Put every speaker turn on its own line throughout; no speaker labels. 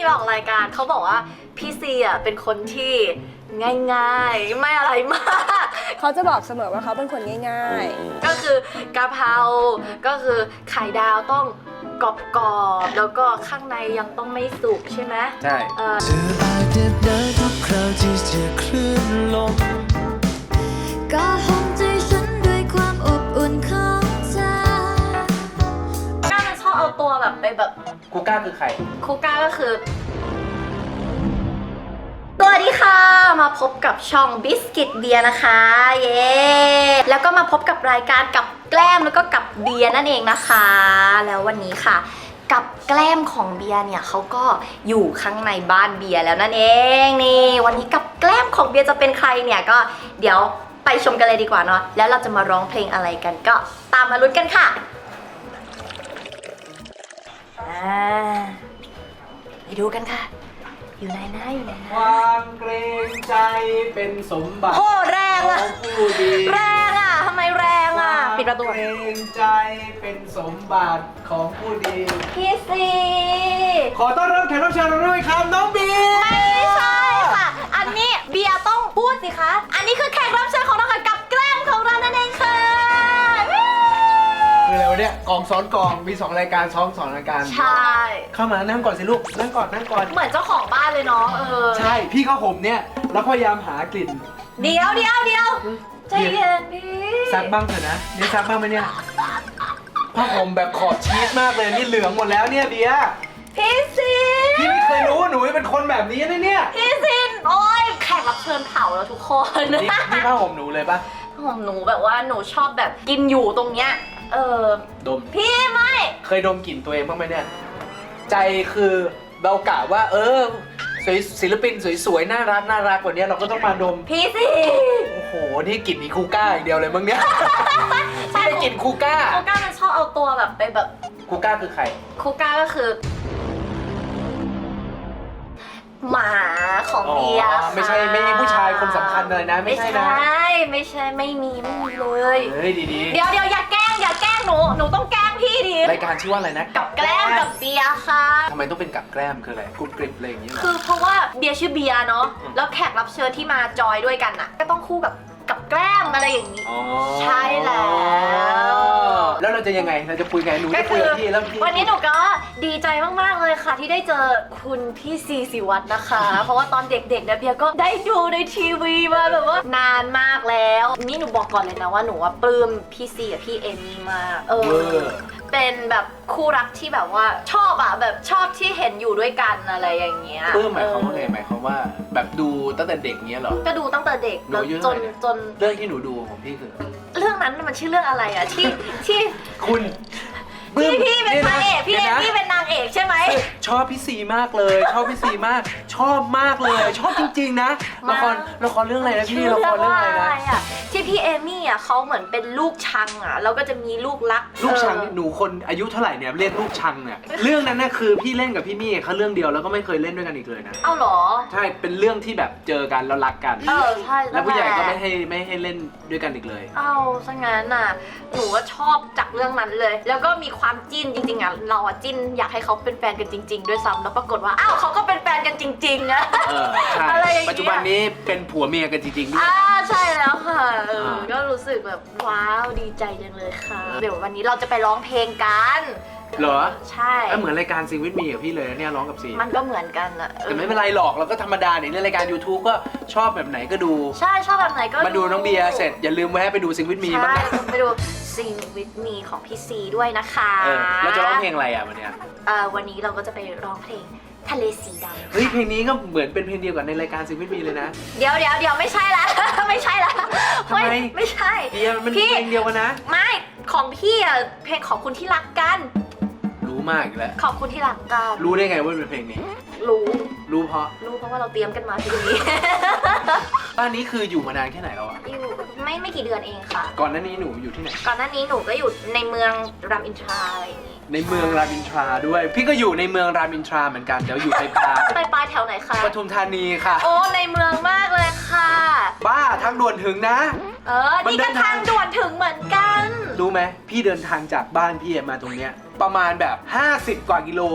ออกรายการเขาบอกว่าพี่ซีอ่ะเป็นคนที่ง่ายๆไม่อะไรมาก
เขาจะบอกเสมอว่าเขาเป็นคนง่าย
ก็คือกะเพราก็คือไข่ดาวต้องกรอบๆแล้วก็ข้างในยังต้องไม่สุกใช่ไหม
ใช่
เธออาจเด็ดดายทุกคราวที่เจอคลื่นลม
ๆก็ห้องใจฉันด้วยความอบอุ่นของเธอ
ก้ามันชอบเอาตัวแบบไปแบบ
กูก้าคือใคร
คูก้าก็คือสวัสดีค่ะมาพบกับช่องบิสกิตเบียร์นะคะเย้แล้วก็มาพบกับรายการกับแกล้มแล้วก็กับเบียร์นั่นเองนะคะแล้ววันนี้ค่ะกับแกล้มของเบียร์เนี่ยเขาก็อยู่ข้างในบ้านเบียร์แล้วนั่นเองนี่วันนี้กับแกล้มของเบียร์จะเป็นใครเนี่ยก็เดี๋ยวไปชมกันเลยดีกว่าเนาะแล้วเราจะมาร้องเพลงอะไรกันก็ตามมาลุ้นกันค่ะไปดูกันค่ะอยู่ไหนนะอยู่ไหน
ค
นะ
วามเกรงใจเป็นสมบัติ
โอ้แรง
ข
อะ
องผู้ดี
แรงอ่ะทำไมแรงอ่ะปิดประตู
เกรงใจเป็นสมบัติของผู้ดี
พี่ซี
ขอต้อนรับแขกรับเชิญเราด้วยครับน้องบี
ไม่ใช่ค่ะ อันนี้เบียร์ต้องพูดสิคะ อันนี้คือแขกรับเชิญของเราค่ะกับแกล้มของเรานั่นเองค่ะ
คืออะไรวะเนี่ยกองซ้อนกองมี2รายการซ้อน2รายการ
ใช่
เข้ามานั่งก่อนสิลูกนั่งก่อนนั่งก่อน
เหมือนเจ้าของบ้านเลยเนาะ
ใช่พี่ก็ห่มเนี่ยแล้วพยายามหากลิ่น
เดี๋ยวใจเย็นพี่
ซักบ้างเถอะนะเนี่ยซักบ้างไหมเนี่ยผ้าห่มแบบขอบชีสมากเลยนี่เหลืองหมดแล้วเนี่ยเบียร์
พี่ซี
พี่ไม่เคยรู้ว่าหนูเป็นคนแบบนี้นะเนี่ย
พี่ซีโอ้ยแขกรับเชิญเผาแล้วทุกคน
นี่ผ้าห่มหนูเลยปะ
ของหนูแบบว่าหนูชอบแบบกินอยู่ตรงเนี้ย
ดม
พี่ไม่
เคยดมกลิ่นตัวเองบ้างไหมเนี่ยใจคือเรากะว่าศิลปินสวยๆน่ารักกว่านี้เราก็ต้องมาดม
พี่สิ
โอ้โหนี่กลิ่นมีคูก้าอย่างเดียวเลยมั้งเนี่ยไม่ได้กลิ่นคูก้า
คูก้ามันชอบเอาตัวแบบไปแบบ
คูก้าคือใคร
คูก้าก็คือ หมาของเบียร์ค่ะ
ไม่ใช่ไม่มีผู้ชายคนสำคัญเลยนะไม่ใช่นะ
ไม่ใช่ไม่มีเลย
เฮ้ยดี
เดี๋ยวอย่าแกล้งหนูต้องแกล้งพี่ดิ
รายการชื่อว่าอะไรนะ
กับแกล้มกับเบียร์ค่ะ
ทำไมต้องเป็นกับแกล้มคืออะไรกรุบกริบอะไรอย่างนี้เหรอ
คือเพราะว่าเบียร์ชื่อเบียร์เนาะแล้วแขกรับเชิญที่มาจอยด้วยกันน่ะก็ต้องคู่กับแกล้มอะไรอย่างนี้
อ๋อ
ใช่แล้ว
แล้วเราจะยังไงเราจะคุยไงหนูจะคุยกับพี่แล้วพี่
วันนี้หนูก็ดีใจมากๆเลยค่ะที่ได้เจอคุณพี่ซีศิวัตรนะคะ เพราะว่าตอนเด็กๆเนี่ยเบียร์ก็ได้ดูในทีวีมาแบบว่านานมากแล้วนี่หนูบอกก่อนเลยนะว่าหนูว่าปลื้มพี่ซีกับพี่เอมี่มากเป็นแบบคู่รักที่แบบว่าชอบอะแบบชอบที่เห็นอยู่ด้วยกันอะไรอย่างเงี้ย
ปลื้มหมายความว่าไงหมายความว่าแบบดูตั้งแต่เด็กเงี้ยเหรอ
ก็ดูตั้งแต่เด็ก
หนูอายุ
จ
เท่าน ไหร่
จน
เรื่องที่หนูดูของพี่คือ
เรื่องนั้นมันชื่อเรื่องอะไรอะที่
คุณ
พี่เป็นพระเอกพี่เอมี่เป็นนางเอกใช่ไหม
ชอบพี่ซีมากเลย ชอบพี่ซีมาก ชอบมากเลย ชอบจริงๆนะละครเรื่องอะไรนะพี่ละครเรื่องอะไรนะ
อะที่พี่เอมี่อะเขาเหมือนเป็นลูกชังอะแล้วก็จะมีลูกรัก
ลูกชังหนูคนอายุเท่าไหร่เนี่ยเรียกลูกชังเนี่ยเรื่องนั้นน่ะคือพี่เล่นกับพี่มี่เขาเรื่องเดียวแล้วก็ไม่เคยเล่นด้วยกันอีกเลยนะ
เอ้าเหรอ
ใช่เป็นเรื่องที่แบบเจอกันแล้วรักกัน
ใช่
แล้วผู้ใหญ่ก็ไม่ให้เล่นด้วยกันอีกเลย
เอ้าซะงั้นน่ะหนูก็ชอบจากเรื่องนั้นเลย แล้วก็มีความจิ้นจริงๆอะเราอะจิ้นอยากให้เขาเป็นแฟนกันจริง ๆ ด้วยซ้ำแล้วปรากฏว่าอ้าวเขาก็เป็นแฟนกันจริงๆนะ
ใช่
อะไรอย่างเงี้ย
ปัจจุบันนี้เป็นผัวเมียกันจริงๆด้วย
ใช่แล้วค่ะก็รู้สึกแบบว้าวดีใจจังเลยค่ะเดี๋ยววันนี้เราจะไปร้องเพลงกัน
เหรอ
ใช่
เหมือนรายการซิงวิทมีกับพี่เลยเนี่ยร้องกับซี
มันก็เหมือนกันอะ
แต่ไม่เป็นไรหรอกเราก็ธรรมดาเนี่ยในรายการ YouTube ก็ชอบแบบไหนก็ดู
ใช่ชอบแบบไหนก็
มาดูน้องเบียร์เสร็จอย่าลืมแวะไปดูซิงวิทมีบ้าง
ใช่
นะ
ไปดู Sing with me ของพี่ซีด้วยนะคะ
เราจะร้องเพลงอะไรอ่ะวันเนี้ย
วันนี้เราก็จะไปร้องเพลงทะเลสีดำ
เฮ้ยเพลงนี้ก็เหมือนเป็นเพลงเดียวกับในรายการซิงวิทมีเลยนะ
เดี๋ยวไม่ใช่ละ ไม่ใช่ละ
ทำไม
ไม่ใช่
เบียร์มัน
พี่
เพลงเดียวกันนะ
ไม่ของพี่อะเพลงขอบคุณที่รักกัน
รู้มากอีกแล้ว
ขอบคุณที่รักกัน
รู้ได้ไงว่าเป็นเพลงนี้
รู้
เพราะ
เพราะว่าเราเตรียมกันมาทีนี้
บ้านนี้คืออยู่มานานแค่ไหนแล้วอ่ะ
อยู่ไม่กี่เดือนเองค่ะ
ก่อนหน้านี้หนูอยู่ที่ไหน
ก่อนหน้านี้หนูก็อยู่ในเมืองรามอินทราอะไรอย่างนี้
ในเมืองรามอินทราด้วย พี่ก็อยู่ในเมืองรามอินทราเหมือนกันเดี๋ยวอยู่ในพา
ไปปลายแถวไหนคะ
ปทุมธานีค่ะ
โอ้ในเมืองมากเลยค่ะ
บ้าทางด่วนถึงนะ
นี่ก็ทางด่วนถึงเหมือนกัน
รู้ไหมพี่เดินทางจากบ้านพี่มาตรงเนี้ยประมาณแบบ50 กว่ากิโล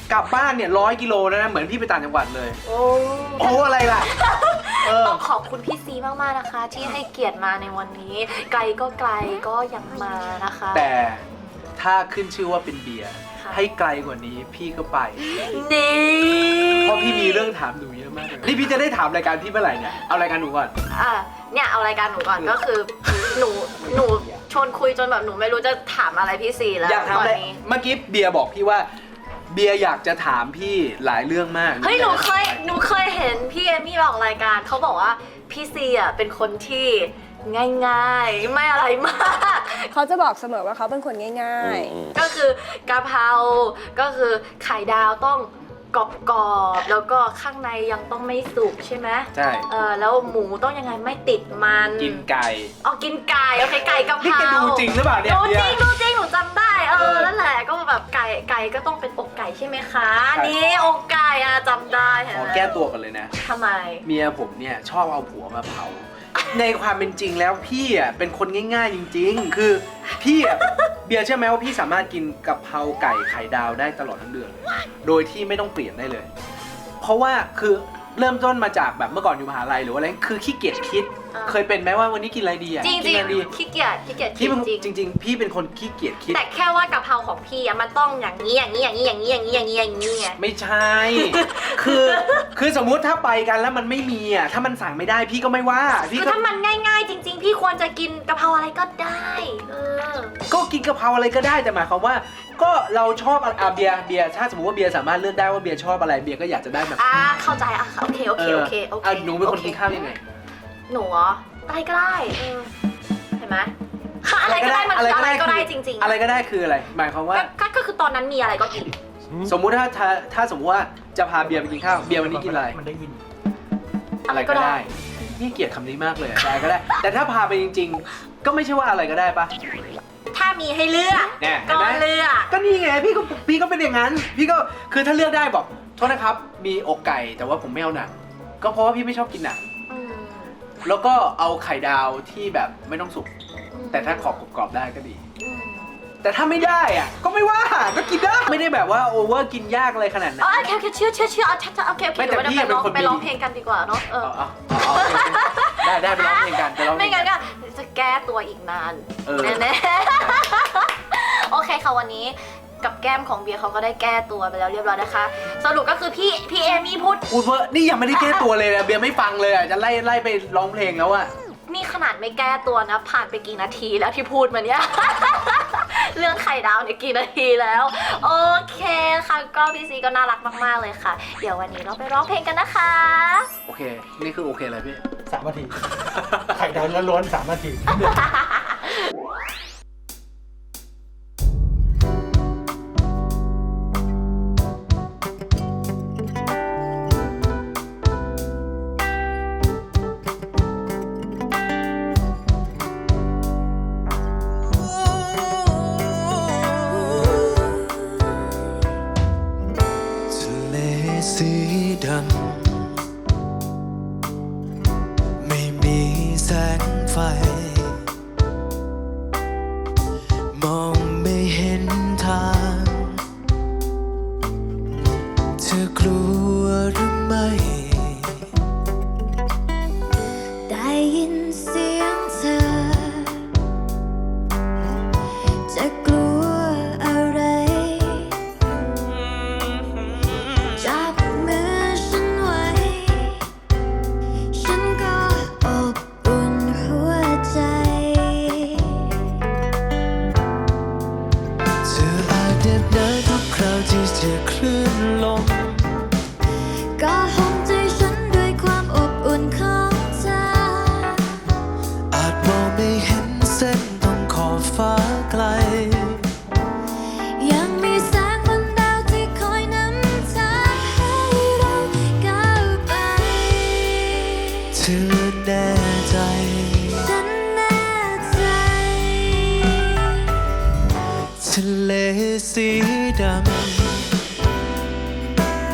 กลับบ้านเนี่ย100 กิโลแล้วนะเหมือนพี่ไปต่างจังหวัดเลย
โอ้
โอ้อะไรล่ะ
ต้องขอบคุณพี่ซีมากๆนะคะ ที่ให้เกียรติมาในวันนี้ ไกลก็ไกลก็ยังมานะคะ
แต่ถ้าขึ้นชื่อว่าเป็นเบียร์
ค่ะ
ให้ไกลกว่านี้พี่ก็ไป
นี่
เพราะพี่มีเรื่องถามหนูเยอะมากเลยนี่พี่จะได้ถามรายการพี่เมื่อไหร่เนี่ยเอารายการหนูก่อน
เนี่ยเอารายการหนูก่อนก็คือหนูชวนคุยจนแบบหนูไม่รู้จะถามอะไรพี่ซีแล้ว
อยากถาม
ตอน
อะไร
นี้
เมื่อกี้เบียร์บอกพี่ว่าเบียร์อยากจะถามพี่หลายเรื่องมาก
เฮ้ยหนูเคยเห็นพี่เอมี่บอกรายการเขาบอกว่าพี่ซีอ่ะเป็นคนที่ง่ายๆไม่อะไรมาก
เขาจะบอกเสมอว่าเขาเป็นคนง่าย
ก็คือกะเพราก็คือไข่ดาวต้องกรอบๆแล้วก็ข้างในยังต้องไม่สุกใช่ไหม
ใช่
แล้วหมูต้องยังไงไม่ติดมัน
กินไก่
กินไก่โอเคไก่กะเพ
นี่
รา
แกดูจริงหรือเปล่าเนี่ย
ดู
เบีย
จริง
ร์
ดูจริงหนูจำได้นั่นแหละก็แบบไก่ก็ต้องเป็นอกไก่ใช่ไหมคะ
ใช่
นี่อกไก่จำได้เห็น
ขอ
ไหม
แก้ตัวกันเลยนะ
ทำไม
เมียผมเนี่ยชอบเอาผัวมาเผา ในความเป็นจริงแล้วพี่อ่ะเป็นคนง่ายๆจริงๆ คือพี่อ่ะเบียร์เชื่อไหมว่าพี่สามารถกินกะเพราไก่ไข่ดาวได้ตลอดทั้งเดือนเลยโดยที่ไม่ต้องเปลี่ยนได้เลย เพราะว่าคือเริ่มต้นมาจากแบบเมื่อก่อนอยู่มหาลัยหรือว่าอะไรคือขี้เกียจคิด เคยเป็นไหมว่าวันนี้กินอะไรดีอ่ะ
จริง
กินอะไรดี
ๆขี้เกียจ
พี่เป็น
จริง
จริง ๆ พี่เป็นคนขี้เกียจคิด
แต่แค่ว่ากะเพราของพี่มันต้องอย่างนี้อย่างนี้อย่างนี้อย่างนี้อย่างนี้อย่างนี้อย่างนี้ไง
ไม่ใช่ คือสมมุติถ้าไปกันแล้วมันไม่มีอ่ะถ้ามันสั่งไม่ได้พี่ก็ไม่ว่าพี่
คือ
ก็
ถ้ามันง่ายๆ จริง ๆ พี่ควรจะกินกะเพราอะไรก็ได้
ก็กินกะเพราอะไรก็ได้แต่หมายความว่า ก็เราชอบเบียร์ถ้าสมมติว่าเบียร์สามารถเลือกได้ว่าเบียร์ชอบอะไรเบียร์ก็อยากจะได้แบบ
เข้าใจโอเค
หนูเป็นคนกินข้าวยังไง
หนูเหรออะไรก็ได้เห็นไหมอะไรก็ได้มันคืออะไรก็ได้จริงๆ
อะไรก็ได้คืออะไร หมายความว่า
ก็คือตอนนั้นมีอะไรก็กิน
สมมุติถ้าสมมติว่าจะพาเบียร์ไปกินข้าวเบียร์วันนี้กินอะไร
มันได้ยิน
อะไรก็ได้นี่เกลียดคำนี้มากเลยอะไรก็ได้ แต่ถ้าพาไปจริงๆ ก็ไม่ใช่ว่าอะไรก็ได้ปะ
ถ้ามีให้เลือก
เนี่ย
ก็เลือก
ก็นี่ไงพี่ก็เป็นอย่างนั้นพี่ก็คือถ้าเลือกได้บอกโทษนะครับมีอกไก่แต่ว่าผมไม่เอาหนังก็เพราะว่าพี่ไม่ชอบกินหนังแล้วก็เอาไข่ดาวที่แบบไม่ต้องสุกแต่ถ้าขอบกรอบๆได้ก็ดี แต่ถ้าไม่ได้อ่ะก็ไม่ว่าก็กินได้ไม่ได้แบบว่าโอเวอร์กินยากอะไรขนาดนั้น
โอเคเชื่อโอเค
ไม่แต่พี่เป็นคน
ไปร้องเพลงกันดีกว่าเนาะ
ได้ไปร้องเพลงกันไปร้องเพล
ไม่
งกั
งั้
น
นก็จะแก้ตัวอีกนาน แน่ๆโอเคค่ะวันนี้กับแก้มของเบียร์เขาก็ได้แก้ตัวไปแล้วเรียบร้อยนะคะ สรุปก็คือพี่เอมี่พูด
เวอร์นี่ยังไม่ได้แก้ตัวเลยนะเบียร์ไม่ฟังเลยอ่ะจะไล่ไปร้องเพลงแล้วอ่ะ
นี่ขนาดไม่แก้ตัวนะผ่านไปกี่นาทีแล้วที่พูดมาเนี่ย เรื่องไข่ดาวเนี่ยกี่นาทีแล้ว โอเคค่ะก็พี่ซีก็น่ารักมากๆเลยค่ะ เดี๋ยววันนี้เราไปร้องเพลงกันนะคะ
โอเคนี่คือโอเคเลยพี่
3 นาที ไข่ดาวล้วนๆ3 นาที
ทะเลสีดำไม่มีแสงไฟ มองไม่เห็นทาง เธอกลัวหรือไม่
ได้ยินเสียงเธอ จะกลัวอะไร จับมือฉันไว้ ฉันก็อบอุ่นหัวใจ
เธออาจเหน็บหนาวทุกคราวที่เจอคลื่นลม
ก็ห่มใจฉันด้วยความอบอุ่นของเธอ
อาจมองไม่เห็นเส้นตรงขอบฟ้าไกล
ยังมีแสงบนดาวที่คอยนำทางให้เราก้าวไป
เธอแน่ใจ
ฉันแน่ใจ
ทะเลสีดำ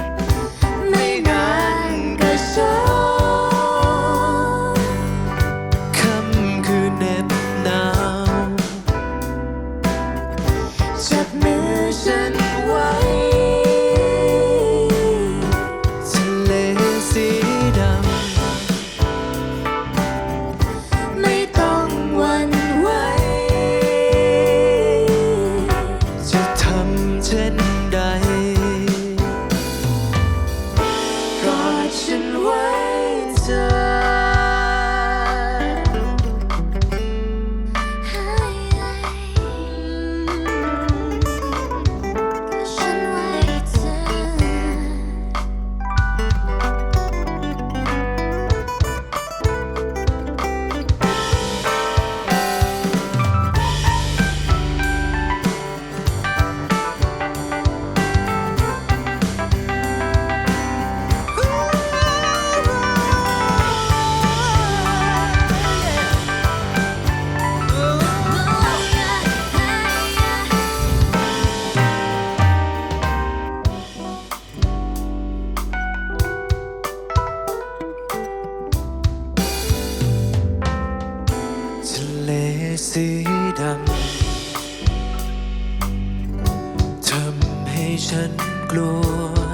ฉันกลัว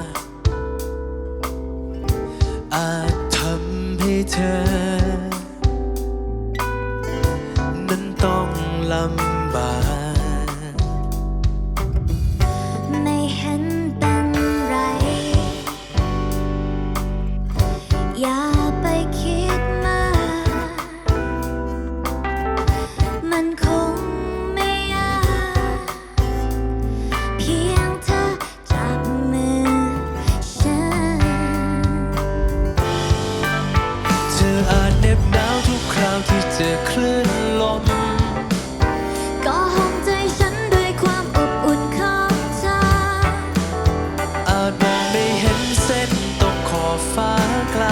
อาจทำให้เธอนั้นต้องลำบาก
ไม่เห็นเป็นไร อย่าไปคิดมาก มันคงไม่ยาก เพียงเธอจับมือฉัน
เธออาจเหน็บหนาวทุกคราวที่เจอคลื่นลม
ก็ห้องใจฉันด้วยความอบอุ่นของเธอ
อาจมองไม่เห็นเส้นตรงขอบฟ้าไกล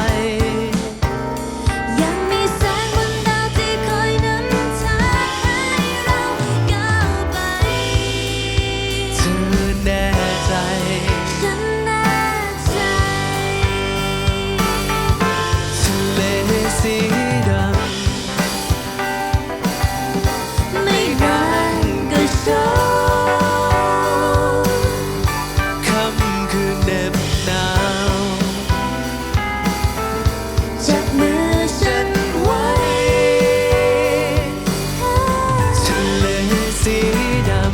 ยังมีแสงบนดาวที่คอยนำทางให้เราก้าวไป
เธอแน่ใจ
ฉันแน่ใจ
ทะเลสีดำ
ไม่นานก็โชว์
ค่ำคืนเหน็บหนาว
จับมือฉันไว้
ทะเลสีดำ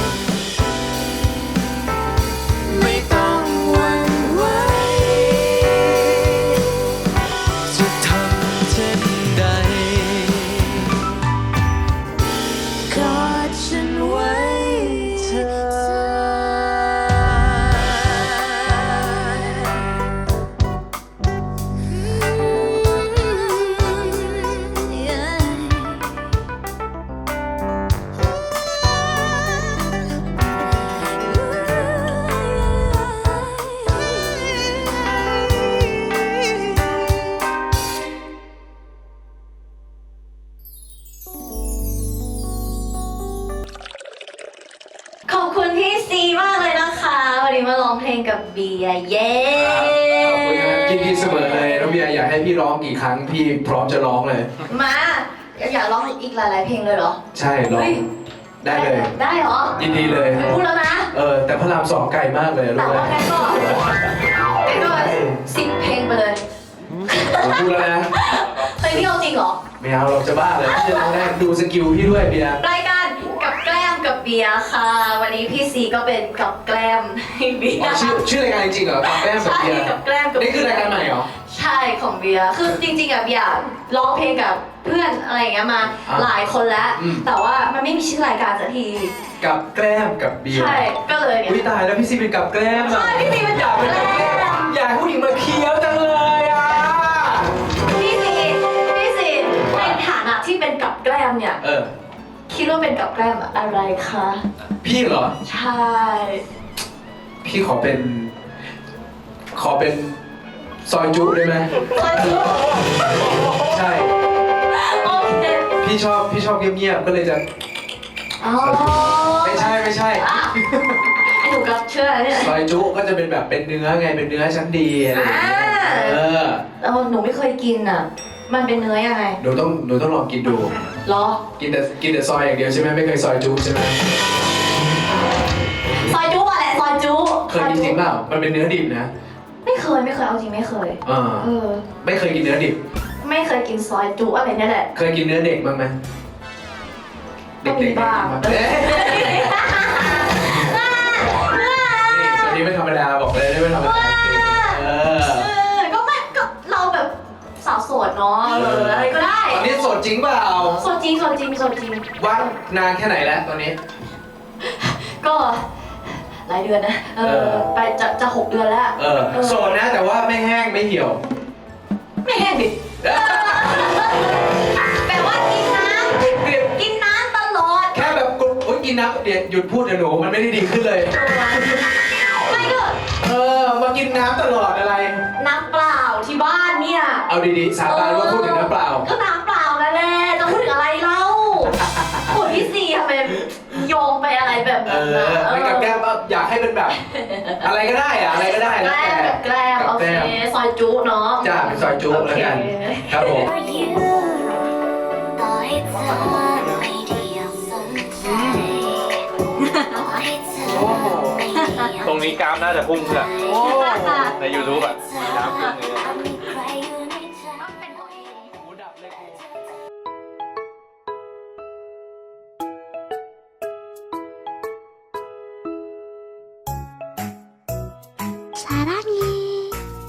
ไม่ต้องหวั่นไหว
จะทำเช่นใด
กอดฉันไว้เธอ
ขอบคุณพี่ซีมากเลยนะคะวันนี้มาร้องเพลงกับเบียร์เย้
ขอบคุณครับยินดีเสมอเลยน้องเบียร์อยากให้พี่ร้องกี่ครั้งพี่พร้อมจะร้องเลย
มาอยากร้องอีกหลายๆเพลงเลยเหรอ
ใช่ร้อง
เฮ้ย
ได้เลย
ได้เหรอ
ยินดีเลย
พูดแล้วนะ
แต่พระรามสองไกลมากเลย
แต่
รู้ไหม
ว่างั้นก็10 เพลงไปเลย
ผมพูดแล้วนะ
เฮ้ยพี่เอาจริงเหรอ
ไม่เอาเราจะบ้าเลยพี่จะร้องได้ดูสกิลพี่ด้วยเบียร์
รายการกับแกล้มกับเบียร์ค่ะ วันนี้พี่ซีก็เป็นกับแกล้มให้เบีย
อ๋อ
ร์
ชื่อรายการจริงๆเหรอกับแก้มกับ
ใช่
เบียร์
กับแกล้มกับ
นี่คือรายการใหม่เหรอ
ใช่ของเบียร์คือจริงๆอะเบียร์ร้องเพลงกับเพื่อนอะไรอย่างเงี้ยมา
อ่ะ
หลายคนแล้ว
อืม
แต่ว่ามันไม่มีชื่อรายการสักที
กับแกล้มกับเบียร์
ใช่ก็เลยเนี่ย
อุ้ยตายแล้วพี่ซีเป็นกับแกล้มอะ
ใช่พี่ซีเป็นกับแกล้ม
อยากให้ผู้หญิงมาเคี้ยวจังเลยอ่ะ
พี่ซีในฐานะที่เป็นกับแกล้มเนี่ย คิดว่าเป็นกับแกล้มอะไรคะ
พี่เหรอ
ใช่
พี่ขอเป็นซอยจุได้ไหม
ซอยจุ
ใช่
โอเค
พี่ชอบเงียบๆก็เลยจะ
อ๋อ
ไม่ใช่
อ่ะไอ้หนูก็เชื่อเนี่ย
ซอยจุก็จะเป็นแบบเป็นเนื้อไงเป็นเนื้อชั้นดีอะไรอย่างเงี้ย
แล้วหนูไม่เคยกินอ่ะ มันเป็นเนื้อยังไง
หนูต้องลองกินดู
เหรอ
กินแต่ซอยอย่างเดียวใช่ไหมไม่เคยซอยจุใช่ไหม
ซอยจุอะแหละซอยจุ
เคยกินจริงเปล่ามันเป็นเนื้อดิบนะ
ไม่เคยเอาจริงไม่เคย
อ่า
เออ
ไม่เคยกินเนื้อดิบ
ไม่เคยกินซอยจุอะไรเนี่ยแหละ
เคยกินเนื้อเด็กบ้างไหม
ก็มีบ้าง
เอ๊ะนี่ส่วนนี้ไม่ธรรมดาบอกเลยไม่ธรรมดาเออ
ก็เราแบบสาวโสดเนาะอะไรก็ได้
ตอนนี้โสดจริงเปล่า
โสดจริง
ว่างนานแค่ไหนแล้วตอนนี้
ก็หลายเดือนนะ ไปจะ6 เดือนแล้ว
โสดนะแต่ว่าไม่แห้งไม่เหี่ยว
ไม่แห้งดิแปลว่ากินน้ำตลอด
แค่แบบกินน้ำเดี๋ยวหยุดพูดนะหนูมันไม่ได้ดีขึ้นเลย
ไม่ก็
มากินน้ำตลอดอะไร
น้ำเปล่าที่บ้านเนี่ย
เอาดีๆสาบานว่าพูดถึงน้ำเปล่า
ก็น้ำเปล่านั่นแหละจะพูดถึงอะไรเล่าโอ้ยพี่ซีทำไมโยงไปอะไรแบบนั้นนะ
ไม่กับแก้มอยากให้เป็นแบบ อะไรก็ได้อะอะไรก็ได้แล้วแต่
แกล้มโอเคซอยจุเนาะ
จ้าเป็นซอยจุแล้วกัน ครับผม
For you ต่อให้เธอไม่ได้อยากสนใจต่อให้เธอไม่ได้อยาก
โต
รงนี้กรามน่าจะพุ่งเพื่อ
โอ้
ใน YouTube อ่ะกรามพุ่งเลย